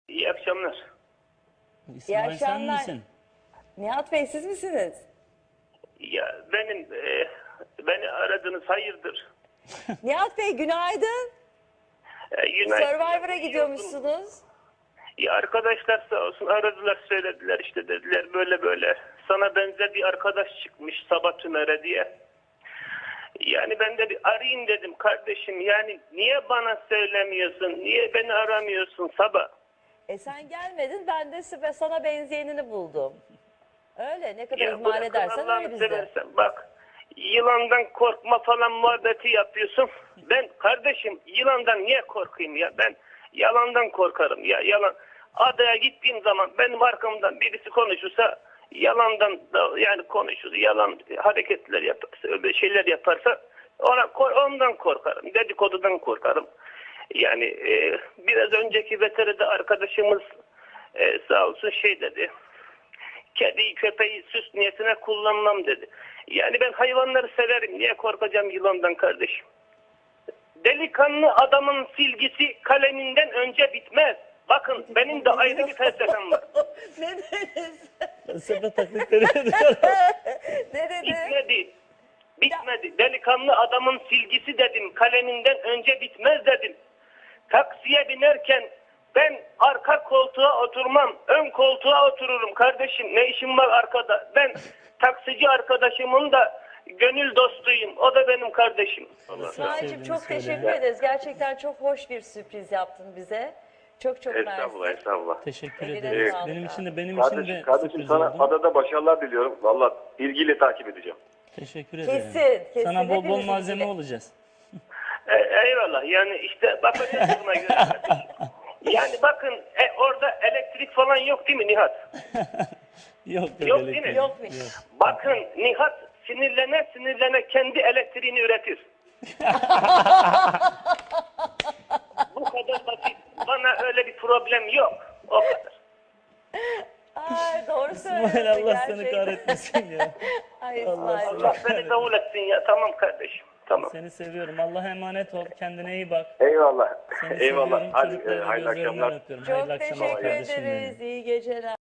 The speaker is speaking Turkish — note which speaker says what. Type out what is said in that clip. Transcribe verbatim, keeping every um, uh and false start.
Speaker 1: İyi akşamlar.
Speaker 2: İsmail sen
Speaker 3: akşamlar.
Speaker 2: misin?
Speaker 3: Nihat Bey siz misiniz?
Speaker 1: Ya benim e, beni aradınız hayırdır?
Speaker 3: Nihat Bey günaydın.
Speaker 1: E, United-
Speaker 3: Survivor'a gidiyormuşsunuz.
Speaker 1: Ya arkadaşlar sağ olsun aradılar söylediler işte dediler böyle böyle. Sana benzer bir arkadaş çıkmış Sabah Tümer'e diye. Yani ben de bir arayayım dedim kardeşim. Yani niye bana söylemiyorsun? Niye beni aramıyorsun Sabah?
Speaker 3: E sen gelmedin ben de size- sana benzeyenini buldum. Öyle ne kadar
Speaker 1: Ya
Speaker 3: ihmal
Speaker 1: bırakın
Speaker 3: edersen
Speaker 1: Allah'ını
Speaker 3: öyle bizde.
Speaker 1: seversen. Bak yılandan korkma falan muhabbeti yapıyorsun. Ben kardeşim yılandan niye korkayım ya? Ben yalandan korkarım ya. Yalan. Adaya gittiğim zaman benim arkamdan birisi konuşursa yalandan da yani konuşur. Yalan hareketler yaparsa, öyle şeyler yaparsa ona ondan korkarım. Dedikodudan korkarım. Yani e, biraz önceki veteride arkadaşımız e, sağ olsun şey dedi. Kediyi köpeği süs niyetine kullanmam dedi. Yani ben hayvanları severim. Niye korkacağım yılandan kardeşim? Delikanlı adamın silgisi kaleminden önce bitmez. Bakın benim de ayrı bir felsefem var.
Speaker 3: Ne dediniz?
Speaker 2: Felsefe taklitleri ediyorum.
Speaker 3: Ne dedi?
Speaker 1: Bitmedi. Bitmedi. Delikanlı adamın silgisi dedim. Kaleminden önce bitmez dedim. Taksiye binerken ben arka koltuğa oturmam. Ön koltuğa otururum kardeşim. Ne işim var arkada? Ben taksici arkadaşımın da gönül dostuyum. O da benim kardeşim.
Speaker 3: İsmail'cim
Speaker 2: sevdiğini
Speaker 3: çok
Speaker 2: söyle.
Speaker 3: teşekkür ederiz. Gerçekten çok hoş bir sürpriz yaptın bize. Çok çok
Speaker 1: Estağfurullah,
Speaker 3: mersi.
Speaker 1: estağfurullah.
Speaker 2: Teşekkür
Speaker 3: Eline
Speaker 2: ederiz.
Speaker 3: sağlık
Speaker 2: Benim
Speaker 3: abi.
Speaker 2: için de benim için
Speaker 4: Kardeşim,
Speaker 2: de
Speaker 4: kardeşim
Speaker 2: sürpriz
Speaker 4: sana
Speaker 2: oldu.
Speaker 4: adada başarılar diliyorum. Valla ilgiyle takip edeceğim.
Speaker 2: Teşekkür ederim.
Speaker 3: Kesin, kesin.
Speaker 2: Sana bol bol
Speaker 3: Hepimiz
Speaker 2: malzeme
Speaker 3: ilgili.
Speaker 2: olacağız.
Speaker 1: E, eyvallah. Yani işte bakacağız buna göre. kardeşim. Yani bakın e, orada elektrik falan yok değil mi Nihat?
Speaker 2: Yok,
Speaker 1: Yok
Speaker 2: öyle
Speaker 1: değil mi?
Speaker 3: Yokmuş.
Speaker 1: Bakın Nihat sinirlene sinirlene kendi elektriğini üretir. Bu kadar basit. Bana öyle bir problem yok. O kadar.
Speaker 3: Ay doğru söylüyorsun
Speaker 2: İsmail Allah seni
Speaker 3: gerçekten.
Speaker 2: kahretmesin ya.
Speaker 3: Ay
Speaker 2: Allah
Speaker 3: İsmail.
Speaker 1: Allah beni davul etsin ya. Tamam kardeşim. Tamam.
Speaker 2: Seni seviyorum. Allah'a emanet ol. Kendine iyi bak.
Speaker 4: Eyvallah.
Speaker 2: Seni
Speaker 4: Eyvallah.
Speaker 2: seviyorum.
Speaker 4: Hadi e,
Speaker 2: Çocuklarını
Speaker 4: hayırlı
Speaker 2: gözlerinden
Speaker 4: akşamlar.
Speaker 2: öpüyorum.
Speaker 3: Çok
Speaker 2: Hayırlı akşamlar
Speaker 3: teşekkür
Speaker 2: kardeşim benim.
Speaker 3: ederiz. İyi geceler.